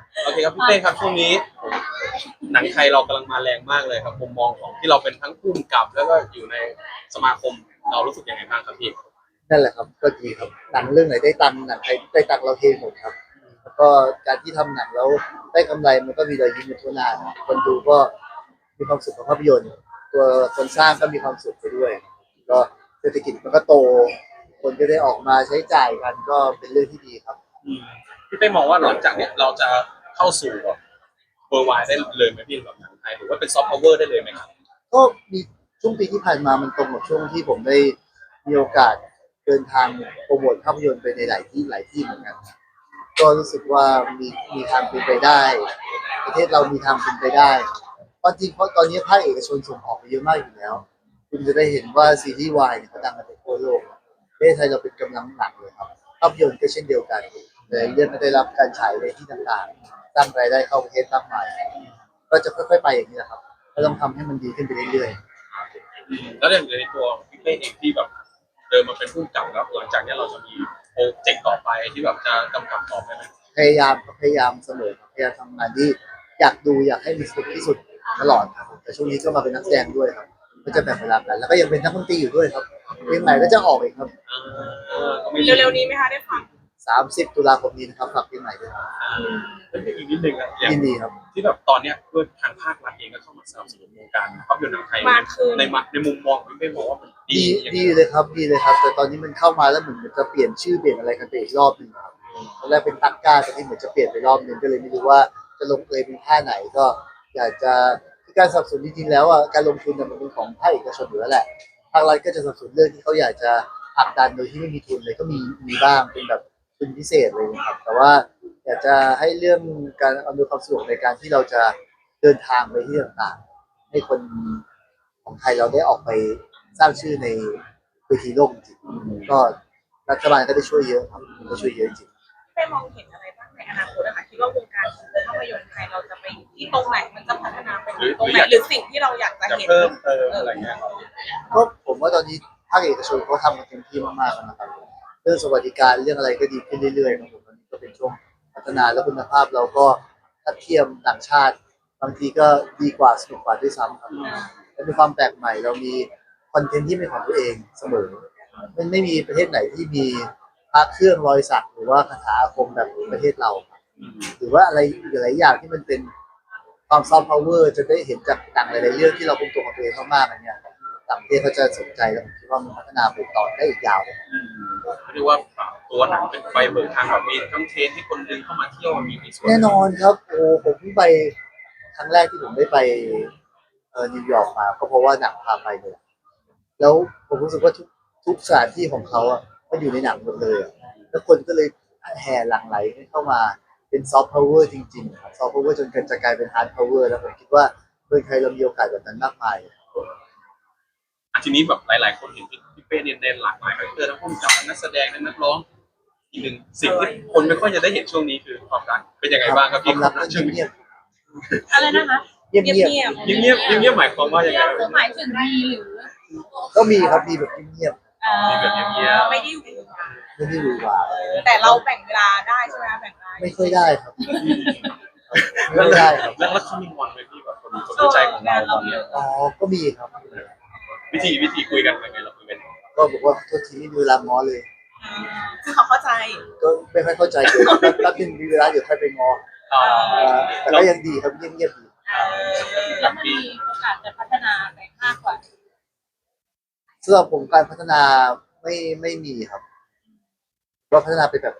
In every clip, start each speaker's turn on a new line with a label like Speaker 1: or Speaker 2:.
Speaker 1: โอเคครับพี่เป้ครับช่วงนี้หนังไทยเรากำลังมาแรงมากเลยครับมุมมองของที่เราเป็นทั้งผู้กำกับแล้วก็อยู่ในสมาคมเรารู้สึกยังไงบ้างครับพี่
Speaker 2: นั่นแหละครับก็ดีครับหนังเรื่องไหนได้ตังค์หนังไทยได้ตังค์เราเทหมดครับแล้วก็การที่ทำหนังแล้วได้กำไรมันก็มีรอยยิ้มในทั่วหน้าคนดูก็มีความสุขกับภาพยนตร์ตัวคนสร้างก็มีความสุขไปด้วยก็เศรษฐกิจมันก็โตคนก็ได้ออกมาใช้จ่ายกันก็เป็นเรื่องที่ดีครับ
Speaker 1: อืมพี่เป้มองว่าหลังจากเนี้ยเราจะเข้าสู่แบบเวอร์ไวได้เลยไหมพี่แบบหนังไทยหรือว่าเป็นซอฟต์พาวเวอร์ได้เลยไหมครับ
Speaker 2: ก็มีช่วงปีที่ผ่านมามันตรงกับช่วงที่ผมได้มีโอกาสเดินทางโปรโมทภาพยนตร์ไปในหลายที่เหมือนกัน ก็รู้สึกว่ามีทางเป็นไปได้ประเทศเรามีทางเป็นไปได้เพราะจริงเพราะตอนนี้ภาคเอกชนส่งออกไปเยอะมากอยู่แล้วคุณจะได้เห็นว่าซีรีส์วายเนี่ยเขาดังกันไปทั่วโลกประเทศไทยเราเป็นกำลังหลักเลยครับภาพยนตร์ก็เช่นเดียวกันเลยเรื่องก็ได้รับการฉายในที่ต่างๆสร้างรายได้เข้าประเทศมากมายก็จะค่อยๆไปอย่างนี้แหละครับก็ต้องทำให้มันดีขึ้นไปเรื่อย
Speaker 1: แล้วอย่างในตัวพี่เป้เองที่แบบเดินมาเป็นผู้กำกับแล้วหลังจากเนี้ยเราจะมีโปรเจกต์ต่อไปที่แบบจะกำกับต่อไปไหม
Speaker 2: ๆพยายามเสมอพยายามทำงานที่อยากดูอยากให้มีสนุกที่สุดตลอดครับแต่ช่วงนี้ก็มาเป็นนักแสดงด้วยครับก็จะแบ่งเวลากันแล้วก็ยังเป็นนักดนตรีอยู่ด้วยครับเพลงใหม่ก็จะออกอีกครับ
Speaker 1: ก็ไม่
Speaker 3: เร็วๆนี้ไหมคะได้ฟัง
Speaker 2: 30 ตุลาคมนี้นะครับฝากเพลงใหม่ด้วยครับ
Speaker 1: แล้วอีกนิดนึงอะอย่าง
Speaker 2: ยินดีครับ
Speaker 1: ที่แบบตอนเนี้ยด้วยทางภาครัฐเองก็เข้ามาสนับสนุนวงการภาพยนตร์หนังไทย
Speaker 3: มากขึ้น
Speaker 1: ในมุมมองพี่เป้มองว่ามันดี
Speaker 2: ดี
Speaker 1: อย่าง
Speaker 2: ดีเลยครับดีเลยครับแต่ตอนนี้มันเข้ามาแล้วเหมือนจะเปลี่ยนชื่อเปลี่ยนอะไรกันไปอีกรอบหนึ่งครับตอนแรกเป็นตักก้าแต่ที่เหมือนจะเปลี่ยนไปรอบหนึ่งก็เลยไม่รู้ว่าจะลงเอยเป็นท่าไหนก็อยากจะที่การสนับสนุนจริงๆแล้วอ่ะการลงทุนเนี่ยมันเป็นของภาคเอกชนอยู่แล้วแหละภาครัฐก็จะสนับสนุนเรื่องที่เขาอยากจะผลักดันโดยที่ไม่มีทุนเลยก็มีบ้างเป็นแบบทุนพิเศษเลยนะครับแต่ว่าอยากจะให้เรื่องการอำนวยความสะดวกในการที่เราจะเดินทางไปที่ต่างๆให้คนของไทยเราได้ออกไปสร้างชื่อในเวทีโลกจริงๆก็รัฐบาลก็ได้ช่วยเยอะครับก็ช่วยเยอะจริง
Speaker 3: ได้มองเห็นอะไรบ้างในอนาคตนะคะคิดว่าวงการภาพยนตร์ไทยเราจะไปที่ตรงไหนมันจะพัฒนาไปตรงไหนหรือสิ่งที่เราอยากจะ
Speaker 1: จะ
Speaker 3: เห็น
Speaker 1: เพิ่มเติมอะไรเงี้ย
Speaker 2: ก็ผมว่าตอนนี้ภาคเอกชนเขาทำกันเต็มที่มากๆแล้วนะครับเรื่องสวัสดิการเรื่องอะไรก็ดีขึ้นเรื่อยๆครับผมตอนนี้ก็เป็นช่วงพัฒนาและคุณภาพเราก็ถ้าเทียมต่างชาติบางทีก็ดีกว่าสนุกกว่าด้วยซ้ำครับและมีความแปลกใหม่เรามีคอนเทนต์ที่เป็นของตัวเองเสมอมันไม่มีประเทศไหนที่มีพระเครื่องรอยสักหรือว่าคาถาอาคมแบบประเทศเราหรือว่าอะไรหลายอย่างที่มันเป็นความซอฟต์พาวเวอร์จะได้เห็นจากต่างหลายๆเรื่องที่เราเป็นตัวของตัวเองมากๆอันเนี้ย ต่างประเทศเขาจะสนใจแล้วผมคิดว่ามันพัฒนาไปต่อได้อีกยาวเลย
Speaker 1: เรียกว่าตัวหนังเป็นไฟเบิกทางแบบมีทั้งเทรนให้คนดึงเข้ามาเที่ยวมีส่วน
Speaker 2: แน่นอนครับโอ้ผมเพิ่งไปครั้งแรกที่ผมได้ไปนิวยอร์กมาก็เพราะว่าหนังพาไปเลยแล้วผมรู้สึกว่าทุกสถานที่ของเขาอ่ะมันอยู่ในหนังหมดเลยอะแล้วคนก็เลยแห่หลั่งไหลเข้ามาเป็นซอฟต์พาวเวอร์จริงๆครับซอฟต์พาวเวอร์จนจะกลายเป็นฮาร์ดพาวเวอร์แล้วผมคิดว่าเมืองไทยเรามีโอกาสแบบนั้นมากมาย
Speaker 1: ทีนี้แบบหลายๆคนเห็นพี่เป้เด่นหลากหลายคาแรคเตอร์ทั้งผู้กำกับทั้งนักแสดงทั้งนักร้องอีกหนึ่งสิ่งที่คนไม่ค่อยจะได้เห็นช่วงนี้คือความรักเป็นยังไงบ้างครับพี่
Speaker 2: ความรัก
Speaker 1: ช่วงนี้
Speaker 2: เงียบ
Speaker 3: อะไรนะคะ
Speaker 2: เงียบ
Speaker 3: เงียบ
Speaker 1: เงียบเงียบหมายความว่ายังไง
Speaker 3: คือหมายถึงดีหรือ
Speaker 2: ก็มีครับมีแบบเงียบ
Speaker 1: มีแบบเงียบ
Speaker 3: ไม่ได้อยู่
Speaker 2: ไม่ได้หวือหวา
Speaker 3: แต่เราแบ่งเวลาได้ใช่ไหมแบ่งเวลา
Speaker 2: ไม่ค่อยได้ครับไม่ได้ครับ
Speaker 1: แล้วเขามีงอนไหมพี่แบบคนรู้ใจของเราตอนนี้
Speaker 2: อ๋อก็มีครับ
Speaker 1: วิธีคุยกันยังไงเราคุยกัน
Speaker 2: ก็บอกว่าโทษทีไม่มีเวลาง้อเลย
Speaker 3: คือเขาเข้าใจ
Speaker 2: ก็ไม่ค่อยเข้าใจเลยแป๊บนึงมีเวลาเดี๋ยวค่อยไปง้อแต่ก็ยังดีครับเงียบๆดี
Speaker 3: แล้วมันมีโอกาสจะพัฒนาไปมากกว่า
Speaker 2: สำหรับผมการพัฒนาไม่มีครับก็พัฒนาไปแบบ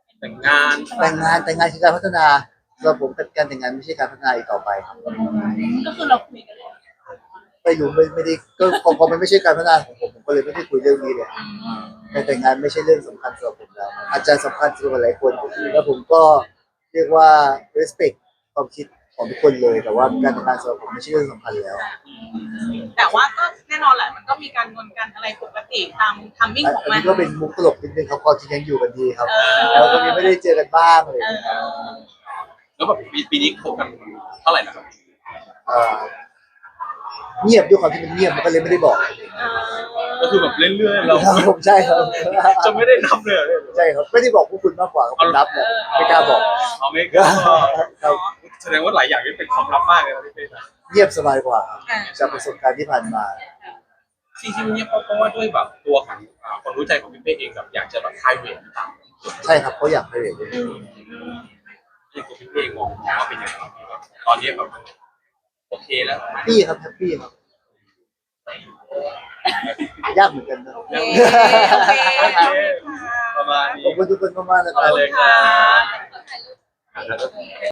Speaker 2: แต่งงานคือการพัฒนาสำหรับผมการแต่งงานไม่ใช่การพัฒนาอีกต่อไปครับ
Speaker 3: ก็คือเราคุยกันแล้ว
Speaker 2: ไปอยู่ไม่ได้ก็พอมันไม่ใช่การพัฒนาของผมก็เลยไม่ได้คุยเรื่องนี้เลยการแต่งงานไม่ใช่เรื่องสำคัญสำหรับผมแล้วอาจจะสำคัญสำหรับหลายคนแล้วผมก็เรียกว่า respect ความคิดของทุกคนเลยแต่ว่าการแต่งงานสำหรับผมไม่ใช่เรื่องสำคัญแล้ว
Speaker 3: แต่ว่าก็แน่นอนแหละมันก็มีการงอนกันอะไรปกติตามทัมมิ่งของมัน
Speaker 2: ก็เป็นมุกตลกนิดนึงครับความจริงยังอยู่กันดีครับแล้วก็ไม่ได้เจอกันบ้างเลย
Speaker 1: แล้วแบบปีนี้คบกันเท่าไหร่นะครับ
Speaker 2: เงียบด้วยความที่มันเงียบมันก็เลยไม่ได้บอก
Speaker 1: ก็คือแบบเรื่อยๆเรา
Speaker 2: ครับผมใช่ครับ
Speaker 1: จะไม่ได้นับเลยเหรอ
Speaker 2: ใช่ครับไม่ได้บอกพวกคุณมากกว่าครับผมรับแหละไม่กล้าบอก
Speaker 1: เอาไม่กล้า
Speaker 2: ครับ
Speaker 1: แสดงว่าหลายอย่างนี่เป็นความลับมากเลยนะพี่เป้นะ
Speaker 2: เงียบสบายกว่าครับจากประสบการณ์ที่ผ่านมา
Speaker 1: ที่เงียบเพราะว่าด้วยแบบตัวของคนรู้ใจของพี่เป้เองแบบอยากจะแบบไพรเวทหรือเปล่า
Speaker 2: ใช่ครับเขาอยากให้เรียน
Speaker 1: ที่ตัวพี่เป้มองว่าเป็นยังไงแบบตอนนี้แบบโอเคแล้ว
Speaker 2: พี่ครับแฮปปี้ครับยากเหมือนกันนะ
Speaker 3: โอเคโอเค
Speaker 1: โอเคประมาณ
Speaker 2: ขอบ
Speaker 1: นี้
Speaker 2: คุณทุกคนมากๆนะค
Speaker 1: มา
Speaker 2: รับ
Speaker 1: เลยครับ